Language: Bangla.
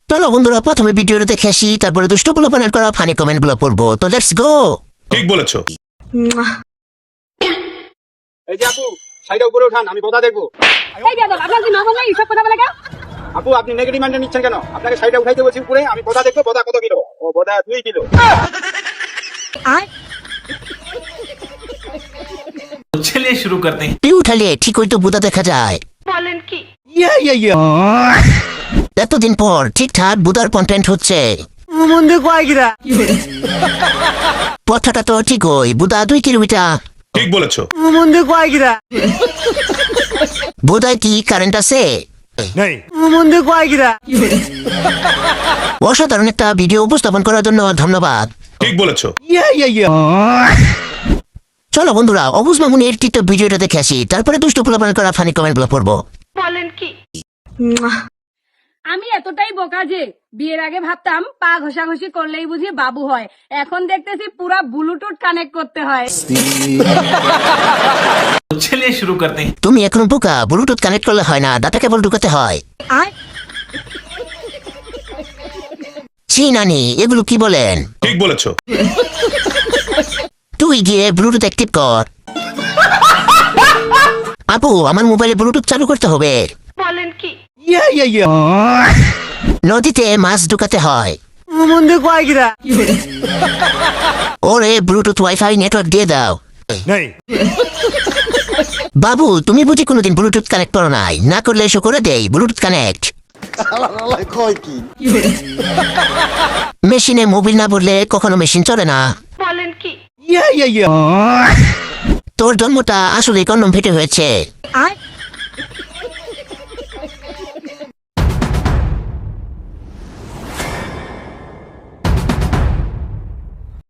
চলো বন্ধুরা প্রথমে ভিডিওটা দেখে আসি, তারপরে দুষ্ট পোলাপানের করা ফানি কমেন্ট গুলো পড়বো। তো লেটস গো। ঠিক বলেছো। এই যে আপু, সাইডে উপরে উঠান, আমি বোধা দেখবো। এই বেয়াদব, আপনার কি নজর নেই সব কথা বলে কেন? আপু, আপনি নেগেটিভ মাইন্ডে নিচ্ছেন কেন? আপনাকে সাইডে উঠাইতে বলছি উপরে, আমি বোধা দেখবো। বোধা কত কিলো? ও বোধা 2 কিলো। चलिए शुरू करते हैं। তুই উঠালে ঠিক হয়তো বুদা দেখা যায়। বলেন কি? এতদিন পর ঠিকঠাক বুদার কন্টেন্ট হচ্ছে। কথাটা তো ঠিক হই, বুদা 2 কিলোমিটার। ঠিক বলেছো। বুদায় কি কারেন্ট আছে? অসাধারণ একটা ভিডিও উপস্থাপন করার জন্য ধন্যবাদ। ঠিক বলেছো। চলো বন্ধুরা অবুজ মামুনের টিকটক ভিডিওটা দেখে আসি, তারপরে দুষ্ট পোলাপানের করা ফানি কমেন্ট গুলো পড়বো। বলেন কি? আমি এতটাই বোকা যে বিয়ের আগে ভাবতাম পা ঘষাঘষি করলেই বুঝি বাবু হয়, এখন দেখতেছি পুরা ব্লুটুথ কানেক্ট করতে হয়। चलिए शुरू करते हैं। তুমি এখনো বোকা, ব্লুটুথ কানেক্ট করলে হয় না, ডাটা কেবল ঢুকাতে হয়। ছি নানি, এগুলো কি বলেন? ঠিক বলেছো। তুই গিয়ে ব্লুটুথ অ্যাক্টিভ কর। আপু, আমার মোবাইলে ব্লুটুথ চালু করতে হবে। বলেন কি? নদীতে মাছ ঢুকাতে হয়। ওরে ব্লুটুথ ওয়াইফাই নেটওয়ার্ক দিয়ে দাও। বাবু, তুমি বুঝি কোনোদিন ব্লুটুথ কানেক্ট করো নাই? না করলে এসো করে দেই ব্লুটুথ কানেক্ট। মেশিনে মোবিল না বললে কখনো মেশিন চলে না। বলেন কি? তোর জন্মটা আসলে কন্ডম ফেটে হয়েছে।